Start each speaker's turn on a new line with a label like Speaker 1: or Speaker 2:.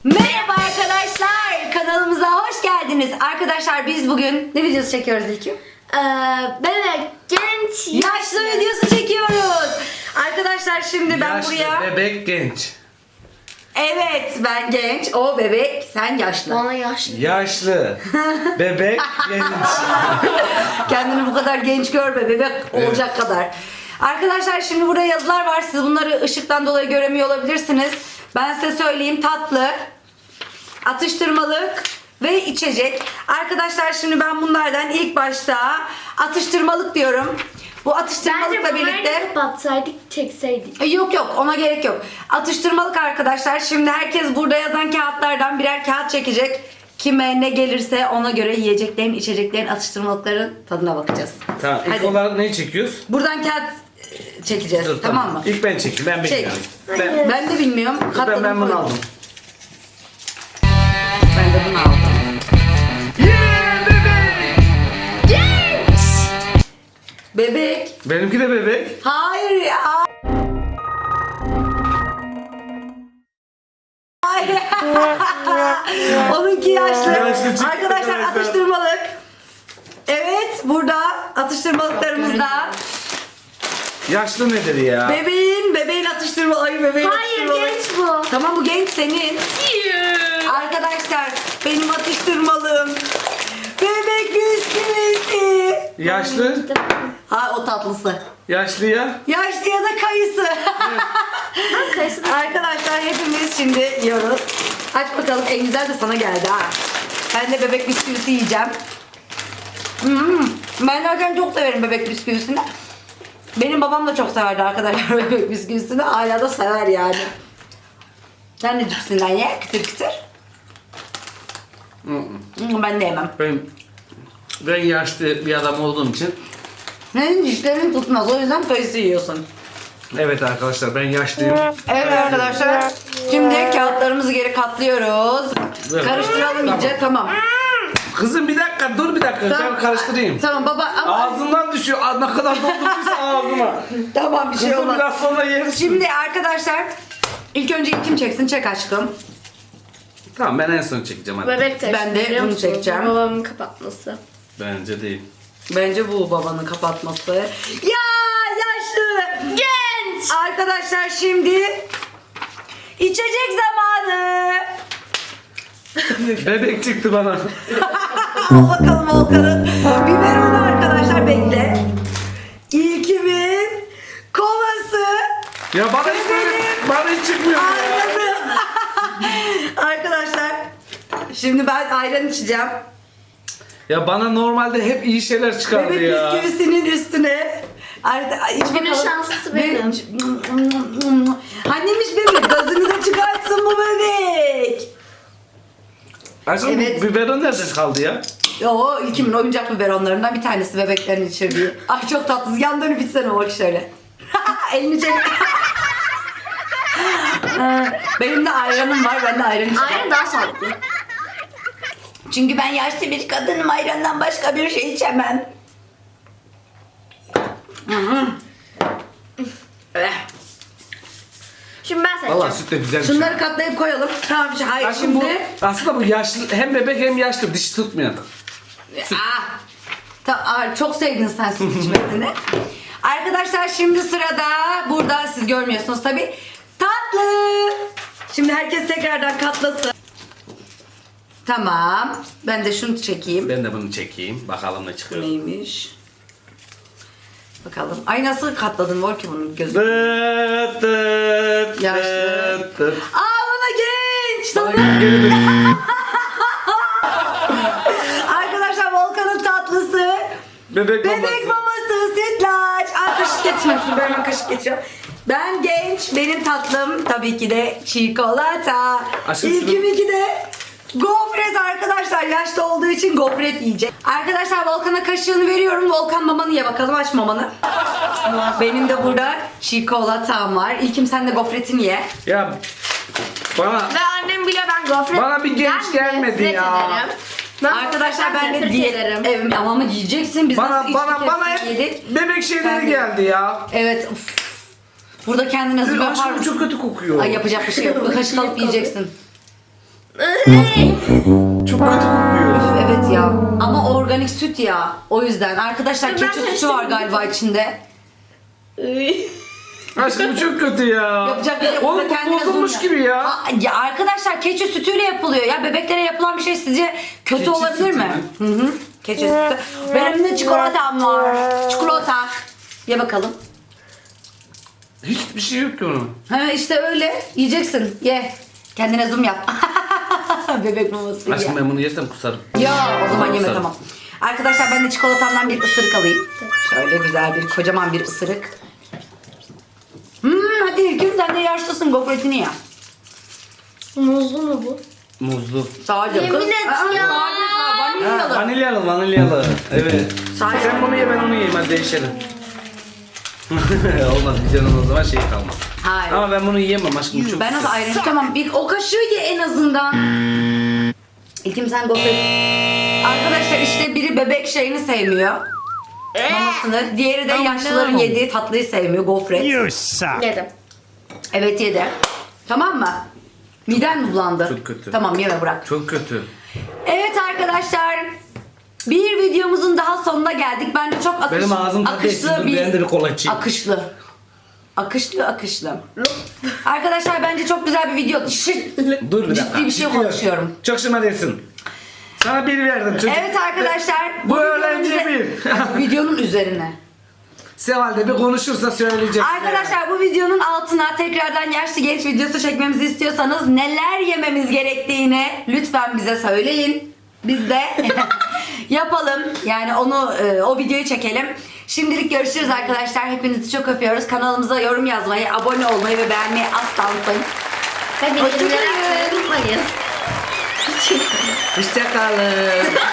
Speaker 1: Merhaba arkadaşlar, kanalımıza hoş geldiniz. Arkadaşlar biz bugün ne videosu çekiyoruz İlkim?
Speaker 2: Bebek, genç,
Speaker 1: Yaşlı videosu çekiyoruz. Arkadaşlar şimdi ben
Speaker 3: Yaşlı,
Speaker 1: buraya...
Speaker 3: bebek, genç.
Speaker 1: Evet, ben genç, o bebek, sen yaşlı.
Speaker 2: Bana yaşlı.
Speaker 3: Yaşlı, bebek, genç.
Speaker 1: Kendini bu kadar genç görme, bebek olacak kadar. Arkadaşlar şimdi burada yazılar var. Siz bunları ışıktan dolayı göremiyor olabilirsiniz. Ben size söyleyeyim: tatlı, atıştırmalık ve içecek. Arkadaşlar şimdi ben bunlardan ilk başta atıştırmalık diyorum. Bu
Speaker 2: Bence
Speaker 1: atıştırmalıkla
Speaker 2: bunları
Speaker 1: birlikte...
Speaker 2: kapatsaydık, çekseydik.
Speaker 1: Yok yok, ona gerek yok. Atıştırmalık arkadaşlar. Şimdi herkes burada yazan kağıtlardan birer kağıt çekecek. Kime ne gelirse ona göre yiyeceklerin, içeceklerin, atıştırmalıkların tadına bakacağız.
Speaker 3: Tamam, ilk
Speaker 1: Hadi.
Speaker 3: olarak neyi çekiyoruz?
Speaker 1: Buradan kağıt çekeceğiz.
Speaker 3: Dur,
Speaker 1: tamam mı?
Speaker 3: İlk ben çekeyim, ben
Speaker 1: Çek.
Speaker 3: bilmiyorum.
Speaker 2: Hayır.
Speaker 1: Ben de bilmiyorum.
Speaker 3: Ben
Speaker 1: Katladım,
Speaker 3: bunu
Speaker 1: koydum.
Speaker 3: aldım.
Speaker 1: Ben de bunu aldım.
Speaker 3: Yeah, bebek!
Speaker 2: Genç!
Speaker 1: Bebek.
Speaker 3: Benimki de bebek.
Speaker 1: Hayır ya. Hayır. Onunki yaşlı.
Speaker 3: Yaşlı çıktı
Speaker 1: Arkadaşlar
Speaker 3: arkadaşlar.
Speaker 1: atıştırmalık. Evet, burada atıştırmalıklarımızda
Speaker 3: Yaşlı nedir ya?
Speaker 1: bebeğin atıştırmalığı. Ay, bebeğin
Speaker 2: Hayır,
Speaker 1: atıştırmalığı.
Speaker 2: genç bu.
Speaker 1: Tamam, bu genç senin. Arkadaşlar benim atıştırmalığım bebek bisküvisi.
Speaker 3: Yaşlı,
Speaker 1: Ha, o tatlısı.
Speaker 3: yaşlı ya.
Speaker 1: Yaşlı ya da kayısı.
Speaker 2: Kayısı da-
Speaker 1: Arkadaşlar hepimiz şimdi yiyoruz. Aç bakalım, en güzel de sana geldi ha. Ben de bebek bisküvisi yiyeceğim. Ben zaten çok severim bebek bisküvisini. Benim babam da çok severdi arkadaşlar bebek bisküvisini. Hala da sever yani. Sen de cipsinden ye, kıtır kıtır. Ben de yemem.
Speaker 3: Ben yaşlı bir adam olduğum için.
Speaker 1: Senin dişlerin tutmaz, o yüzden kayısı yiyorsun.
Speaker 3: Evet arkadaşlar, ben yaşlıyım.
Speaker 1: Evet arkadaşlar, şimdi kağıtlarımızı geri katlıyoruz.
Speaker 3: Evet.
Speaker 1: Karıştıralım iyice, tamam.
Speaker 3: Kızım bir dakika, dur bir dakika. Ben karıştırayım.
Speaker 1: Tamam baba, ama
Speaker 3: Ağzından düşüyor. Ne kadar doldurduysa ağzıma.
Speaker 1: tamam, bir şey
Speaker 3: Kızım
Speaker 1: olmaz.
Speaker 3: biraz sonra yeriz.
Speaker 1: Şimdi arkadaşlar ilk önce kim çeksin? Çek aşkım.
Speaker 3: Tamam, ben en son çekeceğim hadi.
Speaker 2: Bebek taşı.
Speaker 1: Ben de
Speaker 2: biliyor
Speaker 1: bunu
Speaker 2: musun?
Speaker 1: çekeceğim.
Speaker 2: Babamın kapatması.
Speaker 3: Bence değil.
Speaker 1: Bence bu babanın kapatması. Ya yaşlı.
Speaker 2: Genç!
Speaker 1: Arkadaşlar şimdi içecek zamanı.
Speaker 3: Bebek çıktı bana.
Speaker 1: Al bakalım Volkan'ın biberonu arkadaşlar, bekle. İlkimin kovası.
Speaker 3: Ya bana hiç böyle, bana hiç çıkmıyor ya.
Speaker 1: Anladım. Arkadaşlar şimdi ben ayran içeceğim.
Speaker 3: Ya bana normalde hep iyi şeyler çıkardı
Speaker 1: Bebek
Speaker 3: ya.
Speaker 1: bisküvisinin üstüne. İç
Speaker 2: Günün
Speaker 1: bakalım.
Speaker 2: şanslısı benim.
Speaker 1: Annemiş bebek, gazını da çıkartsın bu bebek.
Speaker 3: Aslında
Speaker 1: Evet.
Speaker 3: bu biberon nereden kaldı ya?
Speaker 1: O ilkimin oyuncak biberonlarından bir tanesi, bebeklerin içirdiği. Ay çok tatlı. Yan dönüp içsene, bak şöyle. Elini çek. Benim de ayranım var. Ben de ayran içeceğim.
Speaker 2: Aynen daha sağlıklı.
Speaker 1: Çünkü ben yaşlı bir kadınım. Ayrandan başka bir şey içemem.
Speaker 2: Şimdi ben seçeceğim.
Speaker 3: Valla süt de güzel.
Speaker 1: Şunları katlayıp koyalım. Tamam, hayır
Speaker 3: Aslında
Speaker 1: şimdi.
Speaker 3: aslında bu yaşlı, hem bebek hem yaşlı, dişi tutmayan.
Speaker 1: Çok sevdin sen süt içmesini. Arkadaşlar şimdi sırada, burada siz görmüyorsunuz tabi, tatlı. Şimdi herkes tekrardan katlasın. Tamam. Ben de şunu çekeyim.
Speaker 3: Ben de bunu çekeyim. Bakalım ne çıkıyor.
Speaker 1: Neymiş? Bakalım. Ay, nasıl katladın Volki bunun gözü?
Speaker 3: Dıt dıt
Speaker 1: Yaşlı.
Speaker 3: dıt dıt.
Speaker 1: Bana genç. Sana...
Speaker 3: Geri dön.
Speaker 1: Arkadaşlar Volkan'ın tatlısı.
Speaker 3: Bebek
Speaker 1: Bebek
Speaker 3: maması.
Speaker 1: maması, sütlaç. Kaşık getirmiyorsun. Ben hemen kaşık getiriyorum. Ben genç. Benim tatlım tabii ki de çikolata.
Speaker 3: Aşkım
Speaker 1: İlkiminki de gofret arkadaşlar. Yaşlı olduğu için gofret yiyecek. Arkadaşlar Volkan'a kaşığını veriyorum. Volkan, mamanı ye bakalım. Aç mamanı. Benim de burada çikolatam var. İlkim, sen de gofretini ye.
Speaker 3: Ya bana
Speaker 2: Ve annem biliyor ben gofret
Speaker 3: Bana bir genç gelmedi
Speaker 2: nefret
Speaker 3: ya.
Speaker 2: ederim. Ben
Speaker 1: Arkadaşlar ben de
Speaker 2: nefret
Speaker 1: diyet
Speaker 2: ederim.
Speaker 1: Evet, ama yiyeceksin. Biz nasıl içtik,
Speaker 3: bana
Speaker 1: hepsini
Speaker 3: hep
Speaker 1: yedik.
Speaker 3: bebek
Speaker 1: Sen
Speaker 3: şeyleri
Speaker 1: de-
Speaker 3: geldi ya.
Speaker 1: Evet. Uf. Burada kendine hazır yapar
Speaker 3: Aşkım
Speaker 1: mısın?
Speaker 3: çok kötü kokuyor.
Speaker 1: Ay, yapacak bir şey yok. Kaşık alıp yiyeceksin.
Speaker 3: Çok kötü kokuyor.
Speaker 1: Evet ya. Ama organik süt ya. O yüzden. Arkadaşlar
Speaker 2: Ben
Speaker 1: keçi sütü var galiba içinde.
Speaker 3: Aşkım çok kötü ya.
Speaker 1: Yapacak bir şey yok.
Speaker 3: Oğlum
Speaker 1: Burada
Speaker 3: bu
Speaker 1: kendine
Speaker 3: bozulmuş
Speaker 1: zoom
Speaker 3: gibi ya.
Speaker 1: Ya arkadaşlar keçi sütüyle yapılıyor ya. Bebeklere yapılan bir şey sizce kötü
Speaker 3: Keçi
Speaker 1: olabilir
Speaker 3: sütü
Speaker 1: mi? Hı hı. Keçi sütü. Benim de çikolatam var. Çikolata. Ye bakalım.
Speaker 3: Hiçbir şey yok ki onun.
Speaker 1: Ha işte öyle. Yiyeceksin. Ye. Kendine zoom yap. Bebek maması gibi.
Speaker 3: Aşkım ben bunu yersem kusarım.
Speaker 1: Ya o zaman yeme
Speaker 3: Kusarım.
Speaker 1: tamam. Arkadaşlar ben de çikolatamdan bir ısırık alayım. Şöyle güzel bir kocaman bir ısırık. Hadi İlkim sen de yaşlısın gofretini ya.
Speaker 2: Muzlu mu bu?
Speaker 3: Muzlu.
Speaker 1: Sadece
Speaker 2: Yemin
Speaker 1: kız.
Speaker 2: et ya.
Speaker 3: Ha, vanilyalı vanilyalı. Evet.
Speaker 1: Sadece-
Speaker 3: Sen bunu ye ben onu yiyeyim hadi değişelim. Olmaz videonun o zaman şey kalmaz.
Speaker 1: Hayır.
Speaker 3: Ama ben bunu yiyemem aşkım çok
Speaker 1: Ben nasıl
Speaker 3: güzel.
Speaker 1: ayrı tamam bir o kaşığı ye en azından. İlkim sen gofret. Arkadaşlar işte biri bebek şeyini sevmiyor. Mamasını. Diğeri de yaşlıların yediği tatlıyı sevmiyor. Gofret.
Speaker 4: You suck.
Speaker 2: Yedim.
Speaker 1: Evet yedi. Tamam mı? Miden mi bulandı?
Speaker 3: Çok kötü.
Speaker 1: Tamam yeme bırak.
Speaker 3: Çok kötü.
Speaker 1: Evet arkadaşlar. Bir videomuzun daha sonuna geldik. Bence çok
Speaker 3: Benim ağzım tadı ekşidi. Ben de bir kola içeyim.
Speaker 1: Akışlı. Akışlı. Arkadaşlar bence çok güzel bir video.
Speaker 3: Dur bir dakika.
Speaker 1: Ciddi bir şey
Speaker 3: Ciddi
Speaker 1: konuşuyorum.
Speaker 3: Çok şımarıyorsun. Sana bir verdim çocuk.
Speaker 1: Evet arkadaşlar.
Speaker 3: Bu
Speaker 1: videonun
Speaker 3: öğrenci
Speaker 1: üze- videonun üzerine.
Speaker 3: Seval de bir konuşursa söyleyecek.
Speaker 1: Arkadaşlar bu videonun altına tekrardan yaşlı genç videosu çekmemizi istiyorsanız neler yememiz gerektiğini lütfen bize söyleyin. Biz de yapalım. Yani onu o videoyu çekelim. Şimdilik görüşürüz arkadaşlar. Hepinizi çok öpüyoruz. Kanalımıza yorum yazmayı, abone olmayı ve beğenmeyi asla unutmayın.
Speaker 2: Ve
Speaker 1: Hoşçakalın.
Speaker 2: bildirimleri açmayı unutmayın.
Speaker 3: Hoşçakalın.